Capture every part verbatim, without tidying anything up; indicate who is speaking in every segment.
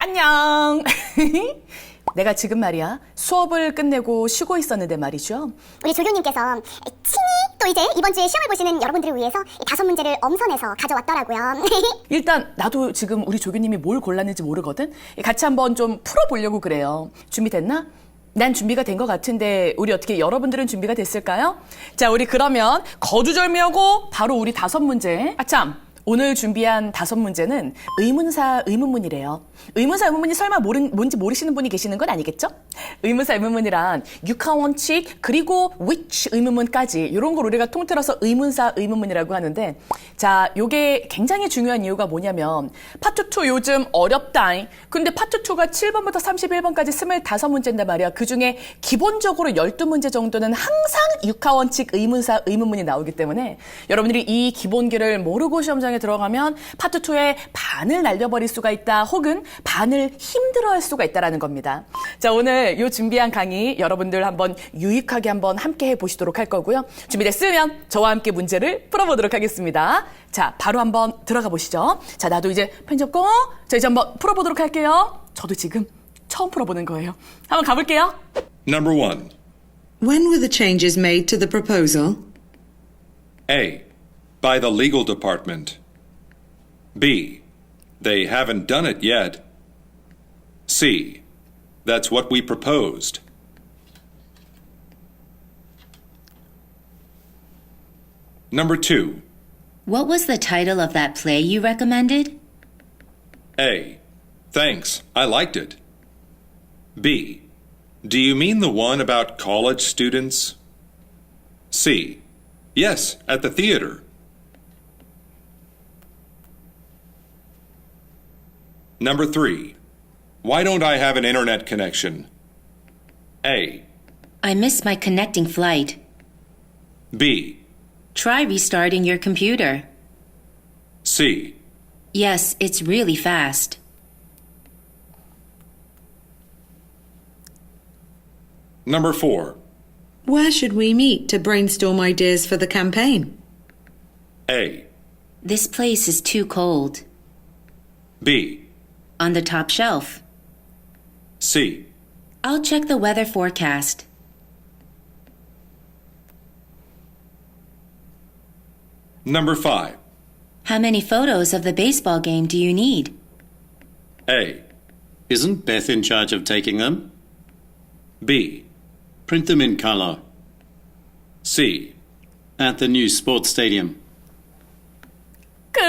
Speaker 1: 안녕. 내가 지금 말이야 수업을 끝내고 쉬고 있었는데 말이죠.
Speaker 2: 우리 조교님께서 친히 또 이제 이번 주에 시험을 보시는 여러분들을 위해서 이 다섯 문제를 엄선해서 가져왔더라고요.
Speaker 1: 일단 나도 지금 우리 조교님이 뭘 골랐는지 모르거든. 같이 한번 좀 풀어보려고 그래요. 준비됐나? 난 준비가 된 것 같은데 우리 어떻게 여러분들은 준비가 됐을까요? 자, 우리 그러면 거두절미하고 바로 우리 다섯 문제. 아참, 오늘 준비한 다섯 문제는 의문사 의문문이래요. 의문사 의문문이 설마 모른, 뭔지 모르시는 분이 계시는 건 아니겠죠? 의문사 의문문이란 육하원칙 그리고 which 의문문까지 이런 걸 우리가 통틀어서 의문사 의문문이라고 하는데, 자, 요게 굉장히 중요한 이유가 뭐냐면 파트 투 요즘 어렵다. 근데 파트 투가 칠 번부터 삼십일 번까지 스물다섯 문제인데 말이야. 그중에 기본적으로 열두 문제 정도는 항상 육하원칙 의문사 의문문이 나오기 때문에 여러분들이 이 기본기를 모르고 시험장에 들어가면 파트 투의 반을 날려버릴 수가 있다, 혹은 반을 힘들어할 수가 있다라는 겁니다. 자, 오늘 요 준비한 강의 여러분들 한번 유익하게 한번 함께 해보시도록 할 거고요. 준비됐으면 저와 함께 문제를 풀어보도록 하겠습니다. 자, 바로 한번 들어가 보시죠. 자, 나도 이제 펜 잡고 자, 이제 한번 풀어보도록 할게요. 저도 지금 처음 풀어보는 거예요. 한번 가볼게요.
Speaker 3: Number one.
Speaker 4: When were the changes made to the proposal?
Speaker 3: A. By the legal department. B. They haven't done it yet. C. That's what we proposed. Number two.
Speaker 5: What was the title of that play you recommended?
Speaker 3: A. Thanks, I liked it. B. Do you mean the one about college students? C. Yes, at the theater. Number three. Why don't I have an internet connection? A.
Speaker 5: I missed my connecting flight.
Speaker 3: B.
Speaker 5: Try restarting your computer.
Speaker 3: C.
Speaker 5: Yes, it's really fast.
Speaker 3: Number four.
Speaker 4: Where should we meet to brainstorm ideas for the campaign?
Speaker 3: A.
Speaker 5: This place is too cold.
Speaker 3: B.
Speaker 5: On the top shelf.
Speaker 3: C.
Speaker 5: I'll check the weather forecast.
Speaker 3: Number five.
Speaker 5: How many photos of the baseball game do you need?
Speaker 3: A.
Speaker 6: Isn't Beth in charge of taking them?
Speaker 3: B.
Speaker 6: Print them in color.
Speaker 3: C.
Speaker 6: At the new sports stadium.
Speaker 1: 끝.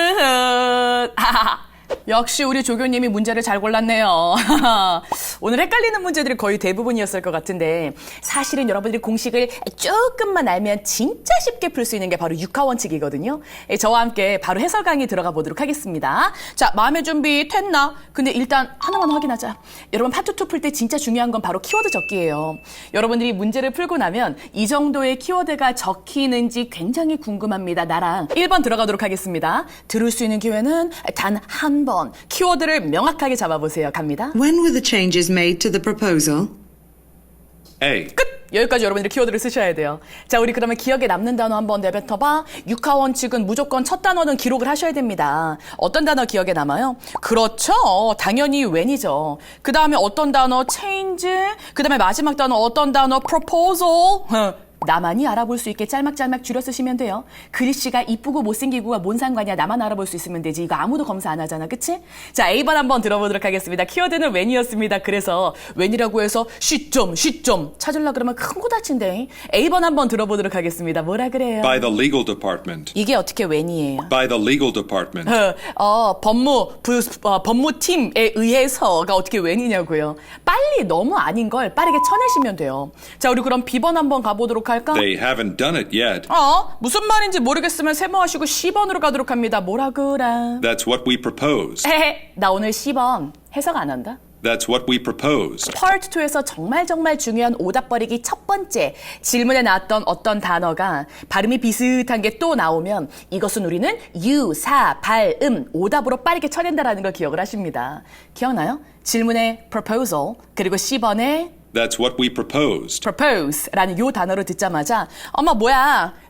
Speaker 1: 역시 우리 조교님이 문제를 잘 골랐네요. 오늘 헷갈리는 문제들이 거의 대부분이었을 것 같은데, 사실은 여러분들이 공식을 조금만 알면 진짜 쉽게 풀 수 있는 게 바로 육하원칙이거든요. 저와 함께 바로 해설 강의 들어가 보도록 하겠습니다. 자, 마음의 준비 됐나? 근데 일단 하나만 확인하자. 여러분, 파트 투 풀 때 진짜 중요한 건 바로 키워드 적기예요. 여러분들이 문제를 풀고 나면 이 정도의 키워드가 적히는지 굉장히 궁금합니다. 나랑 일 번 들어가도록 하겠습니다. 들을 수 있는 기회는 단 한 번. 키워드를 명확하게 잡아보세요. 갑니다.
Speaker 4: When were the changes made to the proposal?
Speaker 3: A.
Speaker 1: 끝! 여기까지 여러분들이 키워드를 쓰셔야 돼요. 자, 우리 그러면 기억에 남는 단어 한번 내뱉어봐. 육하원칙은 무조건 첫 단어는 기록을 하셔야 됩니다. 어떤 단어 기억에 남아요? 그렇죠. 당연히 when이죠. 그 다음에 어떤 단어? change. 그 다음에 마지막 단어 어떤 단어? proposal. 나만이 알아볼 수 있게 짤막짤막 줄여 쓰시면 돼요. 글씨가 이쁘고 못생기고가 뭔 상관이야. 나만 알아볼 수 있으면 되지. 이거 아무도 검사 안 하잖아. 그치? 자, A번 한번 들어보도록 하겠습니다. 키워드는 when이었습니다. 그래서 when이라고 해서 시점, 시점 찾으려고 그러면 큰 거 다친대. A번 한번 들어보도록 하겠습니다. 뭐라 그래요?
Speaker 3: By the legal department.
Speaker 1: 이게 어떻게 when이에요?
Speaker 3: By the legal department.
Speaker 1: 어, 어, 법무, 부, 어, 법무팀에 의해서가 어떻게 when이냐고요. 빨리 너무 아닌 걸 빠르게 쳐내시면 돼요. 자, 우리 그럼 B번 한번 가보도록 할까?
Speaker 3: They haven't done it yet.
Speaker 1: 어? 무슨 말인지 모르겠으면 세모하시고 십 번으로 가도록 합니다. 뭐라 그래?
Speaker 3: That's what we proposed.
Speaker 1: 헤헤, 나 오늘 십 번 해석 안 한다.
Speaker 3: That's what we proposed.
Speaker 1: 파트 투에서 정말 정말 중요한 오답 버리기 첫 번째 질문에 나왔던 어떤 단어가 발음이 비슷한 게 또 나오면 이것은 우리는 유사, 발음, 오답으로 빠르게 쳐낸다라는 걸 기억을 하십니다. 기억나요? 질문에 proposal 그리고 십 번에
Speaker 3: That's what we proposed.
Speaker 1: propose라는 요 단어를 듣자마자 엄마 뭐야? 흣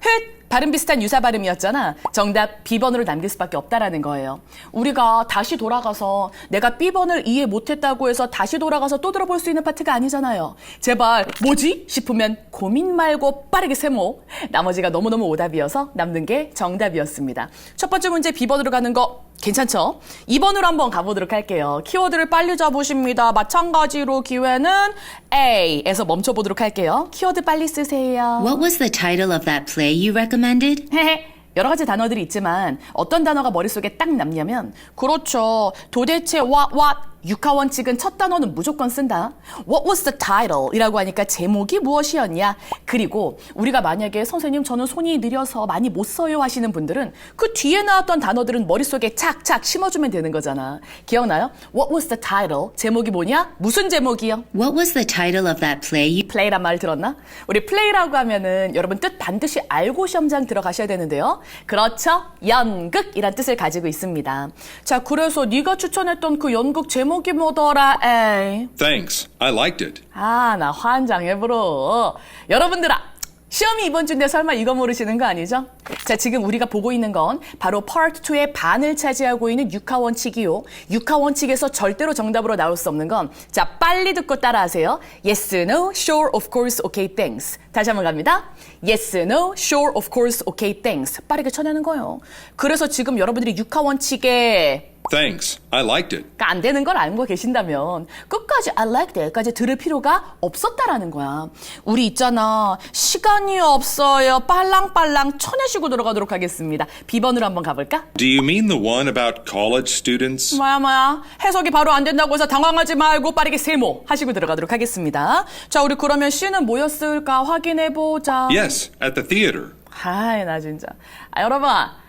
Speaker 1: 발음 비슷한 유사 발음이었잖아. 정답 B번으로 남길 수밖에 없다라는 거예요. 우리가 다시 돌아가서 내가 B번을 이해 못했다고 해서 다시 돌아가서 또 들어볼 수 있는 파트가 아니잖아요. 제발 뭐지? 싶으면 고민 말고 빠르게 세모. 나머지가 너무너무 오답이어서 남는 게 정답이었습니다. 첫 번째 문제 B번으로 가는 거 괜찮죠? 이 번으로 한번 가보도록 할게요. 키워드를 빨리 잡으십니다. 마찬가지로 기회는 A에서 멈춰보도록 할게요. 키워드 빨리 쓰세요.
Speaker 5: What was the title of that play you recommended?
Speaker 1: 헤헤. 여러 가지 단어들이 있지만 어떤 단어가 머릿속에 딱 남냐면 그렇죠. 도대체 what, what, 육하 원칙은 첫 단어는 무조건 쓴다. What was the title? 이라고 하니까 제목이 무엇이었냐? 그리고 우리가 만약에 선생님 저는 손이 느려서 많이 못 써요 하시는 분들은 그 뒤에 나왔던 단어들은 머릿속에 착착 심어주면 되는 거잖아. 기억나요? What was the title? 제목이 뭐냐? 무슨 제목이요?
Speaker 5: What was the title of that play you...
Speaker 1: 플레이란 말 들었나? 우리 플레이라고 하면은 여러분 뜻 반드시 알고 시험장 들어가셔야 되는데요. 그렇죠. 연극이란 뜻을 가지고 있습니다. 자, 그래서 네가 추천했던 그 연극 제목이 뭐더라? 에이.
Speaker 3: Thanks. I liked it.
Speaker 1: 아, 나 환장해버려. 여러분들아, 시험이 이번 주인데 설마 이거 모르시는 거 아니죠? 자, 지금 우리가 보고 있는 건 바로 파트 투의 반을 차지하고 있는 육하 원칙이요. 육하 원칙에서 절대로 정답으로 나올 수 없는 건 자, 빨리 듣고 따라하세요. Yes, no, sure, of course, okay, thanks. 다시 한번 갑니다. Yes, no, sure, of course, okay, thanks. 빠르게 쳐내는 거예요. 그래서 지금 여러분들이 육하 원칙에
Speaker 3: Thanks. I liked it.
Speaker 1: 그러니까 안 되는 걸 알고 계신다면 끝까지 I like that까지 들을 필요가 없었다라는 거야. 우리 있잖아. 시간이 없어요. 빨랑빨랑 쳐내시고 들어가도록 하겠습니다. B번으로 한번 가볼까?
Speaker 3: Do you mean the one about college students?
Speaker 1: 뭐야 뭐야. 해석이 바로 안 된다고 해서 당황하지 말고 빠르게 세모 하시고 들어가도록 하겠습니다. 자, 우리 그러면 C는 뭐였을까 확인해보자.
Speaker 3: Yes, at the theater.
Speaker 1: 아이, 나 진짜. 아, 여러분.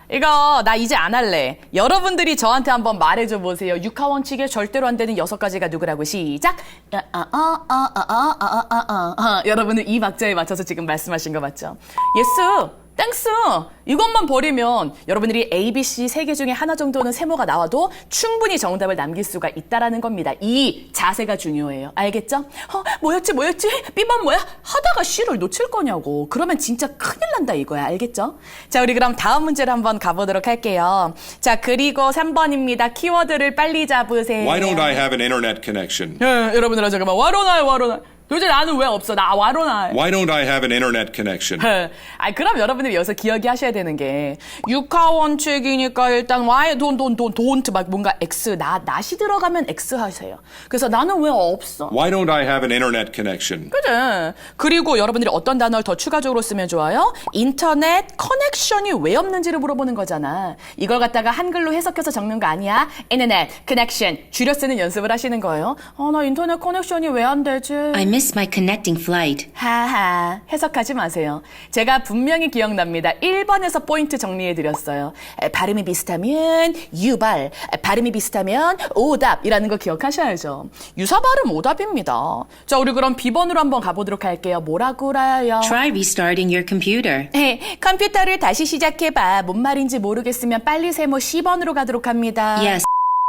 Speaker 1: 이거 나 이제 안 할래. 여러분들이 저한테 한번 말해줘 보세요. 육하 원칙에 절대로 안 되는 여섯 가지가 누구라고 시작. 아, 아, 아, 아, 아, 아, 아, 아, 아. 아, 여러분은 이 박자에 맞춰서 지금 말씀하신 거 맞죠? 예스. 땡스! 이것만 버리면 여러분들이 A, B, C 세 개 중에 하나 정도는 세모가 나와도 충분히 정답을 남길 수가 있다라는 겁니다. 이 자세가 중요해요. 알겠죠? 어, 뭐였지 뭐였지? B번 뭐야? 하다가 C를 놓칠 거냐고. 그러면 진짜 큰일 난다 이거야. 알겠죠? 자, 우리 그럼 다음 문제를 한번 가보도록 할게요. 자, 그리고 삼 번입니다. 키워드를 빨리 잡으세요.
Speaker 3: Why don't I have an internet connection?
Speaker 1: 예, 여러분들아 잠깐만. 와로나요 와로나. 도대체 나는 왜 없어? 나 와로나.
Speaker 3: Why don't I have an internet connection?
Speaker 1: 아, 그럼 여러분들이 여기서 기억이 하셔야 되는 게 육하 원칙이니까 일단 why don't don't don't don't 막 뭔가 x 나 낫이 들어가면 x 하세요. 그래서 나는 왜 없어?
Speaker 3: Why don't I have an internet connection?
Speaker 1: 그래. 그리고 여러분들이 어떤 단어를 더 추가적으로 쓰면 좋아요? 인터넷 커넥션이 왜 없는지를 물어보는 거잖아. 이걸 갖다가 한글로 해석해서 적는 거 아니야. 인터넷 커넥션 줄여 쓰는 연습을 하시는 거예요. 아, 나 인터넷 커넥션이 왜 안 되지?
Speaker 5: I missed my connecting flight.
Speaker 1: 하하, 해석하지 마세요. 제가 분명히 기억납니다. 일 번에서 포인트 정리해드렸어요. 에, 발음이 비슷하면 유발, 에, 발음이 비슷하면 오답이라는 거 기억하셔야죠. 유사 발음 오답입니다. 자, 우리 그럼 B번으로 한번 가보도록 할게요. 뭐라고라요?
Speaker 5: Try restarting your computer.
Speaker 1: 에, 컴퓨터를 다시 시작해봐. 뭔 말인지 모르겠으면 빨리 세모 C번으로 가도록 합니다.
Speaker 5: Yes.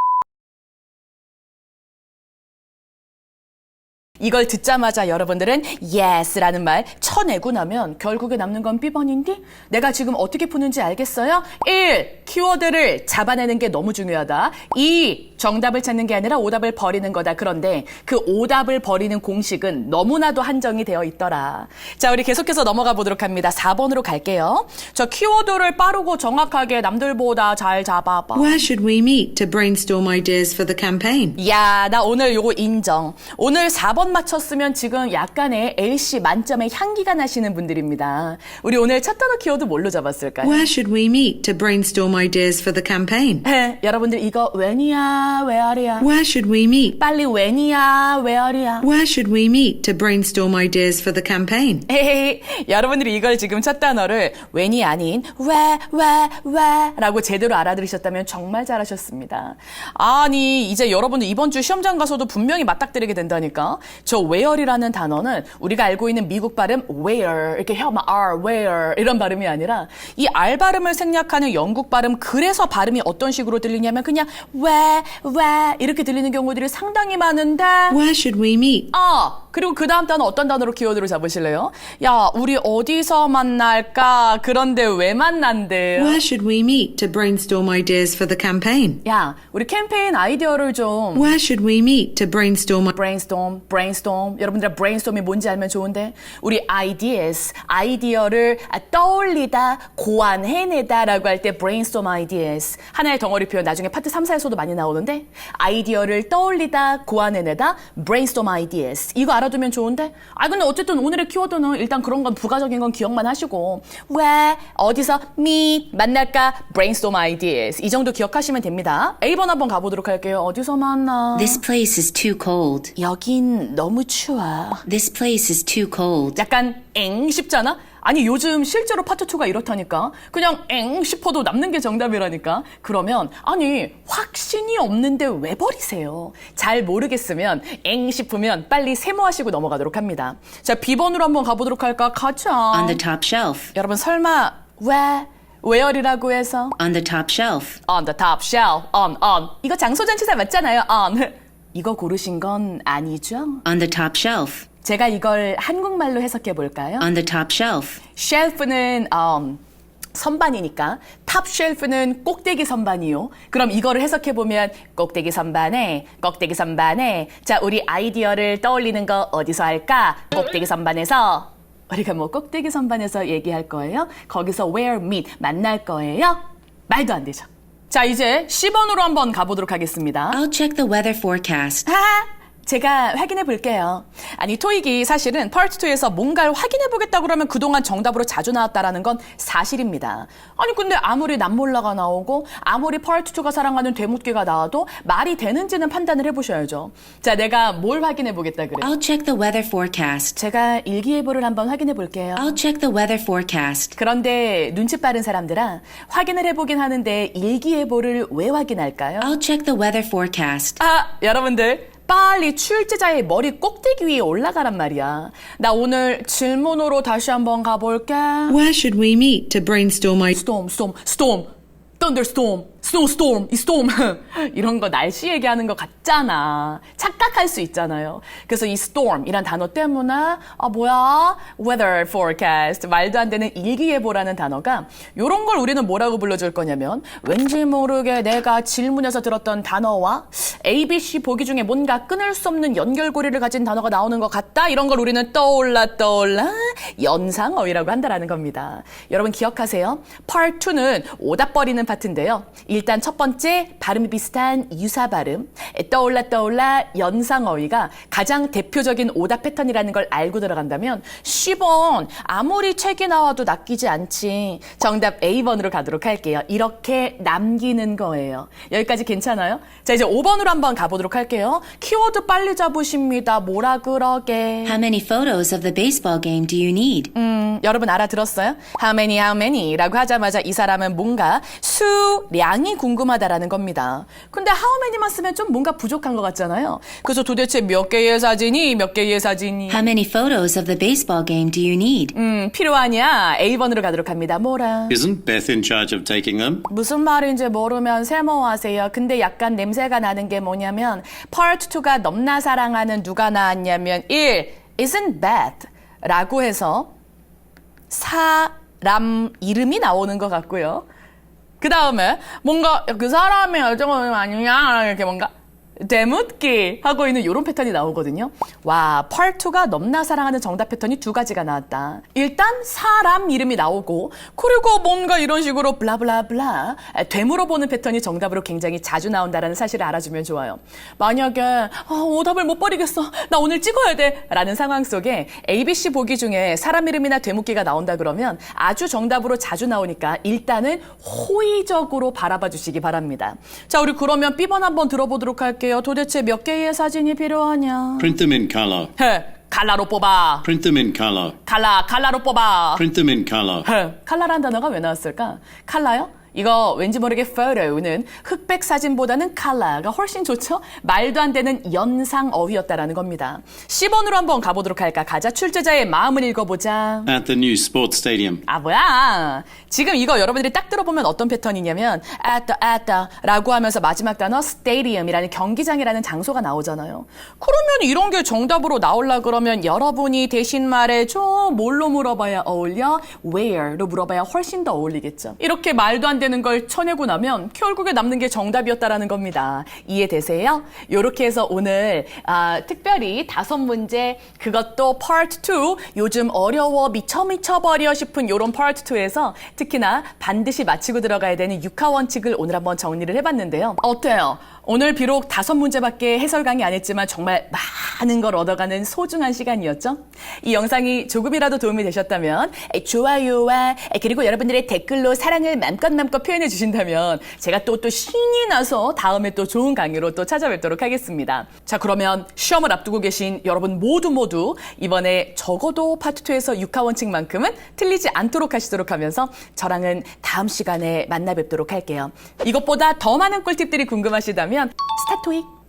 Speaker 1: 이걸 듣자마자 여러분들은 yes라는 말 쳐내고 나면 결국에 남는 건 B번인데 내가 지금 어떻게 푸는지 알겠어요? 일. 키워드를 잡아내는 게 너무 중요하다. 이. 정답을 찾는 게 아니라 오답을 버리는 거다. 그런데 그 오답을 버리는 공식은 너무나도 한정이 되어 있더라. 자, 우리 계속해서 넘어가 보도록 합니다. 사 번으로 갈게요. 저 키워드를 빠르고 정확하게 남들보다 잘 잡아봐.
Speaker 4: Where should we meet to brainstorm ideas for the campaign?
Speaker 1: 야, 나 오늘 요거 인정. 오늘 사 번 맞췄으면 지금 약간의 엘씨 만점의 향기가 나시는 분들입니다. 우리 오늘 첫 단어 키워드 뭘로 잡았을까요?
Speaker 4: Where should we meet to brainstorm ideas for the campaign?
Speaker 1: 네, 여러분들 이거 when이야, where이야?
Speaker 4: Where should we meet?
Speaker 1: 빨리 when이야, where이야?
Speaker 4: Where should we meet to brainstorm ideas for the campaign?
Speaker 1: 헤헤, 여러분들이 이걸 지금 첫 단어를 when이 아닌 where, where, where 라고 제대로 알아들으셨다면 정말 잘하셨습니다. 아니, 이제 여러분들 이번 주 시험장 가서도 분명히 맞닥뜨리게 된다니까. 저 where이라는 단어는 우리가 알고 있는 미국 발음 where 이렇게 혀만 r where 이런 발음이 아니라 이 R 발음을 생략하는 영국 발음 그래서 발음이 어떤 식으로 들리냐면 그냥 where where 이렇게 들리는 경우들이 상당히 많은데
Speaker 4: Where should we meet?
Speaker 1: 어 그리고 그 다음 단어 어떤 단어로 키워드로 잡으실래요? 야, 우리 어디서 만날까? 그런데 왜 만난대?
Speaker 4: Where should we meet to brainstorm ideas for the campaign?
Speaker 1: 야, 우리 캠페인 아이디어를 좀
Speaker 4: Where should we meet to brainstorm?
Speaker 1: brainstorm, brainstorm. 여러분들 brainstorm이 뭔지 알면 좋은데 우리 ideas, 아이디어를 떠올리다, 고안해내다라고 할 때 brainstorm ideas. 하나의 덩어리 표현 나중에 파트 삼, 사에서도 많이 나오는데 아이디어를 떠올리다, 고안해내다, brainstorm ideas. 이거 알아두면 좋은데 아 근데 어쨌든 오늘의 키워드는 일단 그런 건 부가적인 건 기억만 하시고 왜, 어디서 meet, 만날까, brainstorm ideas. 이 정도 기억하시면 됩니다. A번 한번 가보도록 할게요. 어디서 만나?
Speaker 5: This place is too cold.
Speaker 1: 여긴 너무 추워.
Speaker 5: This place is too cold.
Speaker 1: 약간 엥 싶잖아? 아니 요즘 실제로 파트 투가 이렇다니까. 그냥 엥 싶어도 남는 게 정답이라니까. 그러면 아니 확신이 없는데 왜 버리세요? 잘 모르겠으면 엥 싶으면 빨리 세모하시고 넘어가도록 합니다. 자, B번으로 한번 가보도록 할까? 가자.
Speaker 5: On the top shelf.
Speaker 1: 여러분 설마 왜? where이라고 해서
Speaker 5: On the top shelf.
Speaker 1: on the top shelf, on, on. 이거 장소잔치사 맞잖아요, on. 이거 고르신 건 아니죠?
Speaker 5: On the top shelf.
Speaker 1: 제가 이걸 한국말로 해석해 볼까요?
Speaker 5: On the top shelf.
Speaker 1: 쉘프는 um, 선반이니까 탑 쉘프는 꼭대기 선반이요. 그럼 이거를 해석해 보면 꼭대기 선반에 꼭대기 선반에 자 우리 아이디어를 떠올리는 거 어디서 할까? 꼭대기 선반에서 우리가 뭐 꼭대기 선반에서 얘기할 거예요? 거기서 where meet 만날 거예요? 말도 안 되죠. 자 이제 C번으로 한번 가보도록 하겠습니다.
Speaker 5: I'll check the weather forecast.
Speaker 1: 하! 제가 확인해 볼게요. 아니 토익이 사실은 파트 투에서 뭔가를 확인해 보겠다고 그러면 그동안 정답으로 자주 나왔다라는 건 사실입니다. 아니 근데 아무리 남몰라가 나오고 아무리 파트 투가 사랑하는 되묻기가 나와도 말이 되는지는 판단을 해보셔야죠. 자 내가 뭘 확인해 보겠다 그래.
Speaker 5: I'll check the weather forecast.
Speaker 1: 제가 일기예보를 한번 확인해 볼게요.
Speaker 5: I'll check the weather forecast.
Speaker 1: 그런데 눈치 빠른 사람들아 확인을 해보긴 하는데 일기예보를 왜 확인할까요?
Speaker 5: I'll check the weather forecast.
Speaker 1: 아 여러분들 빨리 출제자의 머리 꼭대기 위에 올라가란 말이야. 나 오늘 질문으로 다시 한번 가볼게.
Speaker 4: Where should we meet to brainstorm ideas?
Speaker 1: storm, storm, storm, thunderstorm, snowstorm, 이 storm 이런 거 날씨 얘기하는 거 같잖아. 착각할 수 있잖아요. 그래서 이 storm이란 단어 때문에 아 뭐야 weather forecast 말도 안 되는 일기예보라는 단어가 이런 걸 우리는 뭐라고 불러줄 거냐면 왠지 모르게 내가 질문에서 들었던 단어와 A, B, C 보기 중에 뭔가 끊을 수 없는 연결고리를 가진 단어가 나오는 것 같다. 이런 걸 우리는 떠올라 떠올라 연상어휘라고 한다라는 겁니다. 여러분 기억하세요. Part 이는 오답 버리는 파트인데요. 일단 첫 번째 발음이 비슷한 유사 발음 떠올라 떠올라 연상어휘가 가장 대표적인 오답 패턴이라는 걸 알고 들어간다면 십 번 아무리 책이 나와도 낚이지 않지. 정답 A번으로 가도록 할게요. 이렇게 남기는 거예요. 여기까지 괜찮아요? 자 이제 오 번으로 한번 가보도록 할게요. 키워드 빨리 잡으십니다. 뭐라 그러게.
Speaker 5: How many photos of the baseball game do you need?
Speaker 1: 음, 여러분 알아들었어요? How many, how many 라고 하자마자 이 사람은 뭔가 수량이 궁금하다라는 겁니다. 근데 how many만 쓰면 좀 뭔가 부족한 것 같잖아요. 그래서 도대체 몇 개의 사진이 몇 개의 사진이
Speaker 5: How many photos of the baseball game do you need?
Speaker 1: 음, 필요하냐? A번으로 가도록 합니다. 뭐라?
Speaker 6: Isn't Beth in charge of taking them?
Speaker 1: 무슨 말인지 모르면 세모하세요. 근데 약간 냄새가 나는 게 뭐냐면 Part 이가 넘나 사랑하는 누가 나왔냐면 일. Isn't Beth 라고 해서 사람 이름이 나오는 것 같고요. 그 다음에 뭔가 그 사람의 열정은 아니냐 이렇게 뭔가 되묻기 하고 있는 이런 패턴이 나오거든요. 와, Part 이가 넘나 사랑하는 정답 패턴이 두 가지가 나왔다. 일단 사람 이름이 나오고 그리고 뭔가 이런 식으로 블라블라블라 되물어보는 패턴이 정답으로 굉장히 자주 나온다는 사실을 알아주면 좋아요. 만약에 아, 오답을 못 버리겠어. 나 오늘 찍어야 돼. 라는 상황 속에 A, B, C 보기 중에 사람 이름이나 되묻기가 나온다 그러면 아주 정답으로 자주 나오니까 일단은 호의적으로 바라봐 주시기 바랍니다. 자, 우리 그러면 B번 한번 들어보도록 할게요. 도대체 몇 개의 사진이 필요하냐?
Speaker 6: Print them in color.
Speaker 1: 헤, 칼라로 뽑아.
Speaker 6: Print them in color.
Speaker 1: 칼라, 칼라로 뽑아.
Speaker 6: Print them in color.
Speaker 1: 헤, 칼라라는 단어가 왜 나왔을까? 칼라요? 이거 왠지 모르게 photo는 흑백 사진보다는 color가 훨씬 좋죠? 말도 안 되는 연상 어휘였다라는 겁니다. 십 번으로 한번 가보도록 할까? 가자. 출제자의 마음을 읽어보자.
Speaker 6: At the new sports stadium.
Speaker 1: 아 뭐야? 지금 이거 여러분들이 딱 들어보면 어떤 패턴이냐면 at the, at the 라고 하면서 마지막 단어 stadium이라는 경기장이라는 장소가 나오잖아요. 그러면 이런 게 정답으로 나오려 그러면 여러분이 대신 말해줘. 뭘로 물어봐야 어울려? where로 물어봐야 훨씬 더 어울리겠죠. 이렇게 말도 안 되는 걸 쳐내고 나면 결국에 남는 게 정답이었다라는 겁니다. 이해되세요? 이렇게 해서 오늘 아, 특별히 다섯 문제 그것도 파트 투 요즘 어려워 미쳐 미쳐버려 싶은 이런 파트 투에서 특히나 반드시 마치고 들어가야 되는 육하 원칙을 오늘 한번 정리를 해봤는데요. 어때요? 오늘 비록 다섯 문제밖에 해설 강의 안 했지만 정말 많은 걸 얻어가는 소중한 시간이었죠? 이 영상이 조금이라도 도움이 되셨다면 좋아요와 그리고 여러분들의 댓글로 사랑을 맘껏 맘껏 표현해 주신다면 제가 또 또 신이 나서 다음에 또 좋은 강의로 또 찾아뵙도록 하겠습니다. 자, 그러면 시험을 앞두고 계신 여러분 모두 모두 이번에 적어도 파트 투에서 육하 원칙만큼은 틀리지 않도록 하시도록 하면서 저랑은 다음 시간에 만나 뵙도록 할게요. 이것보다 더 많은 꿀팁들이 궁금하시다면 스타토익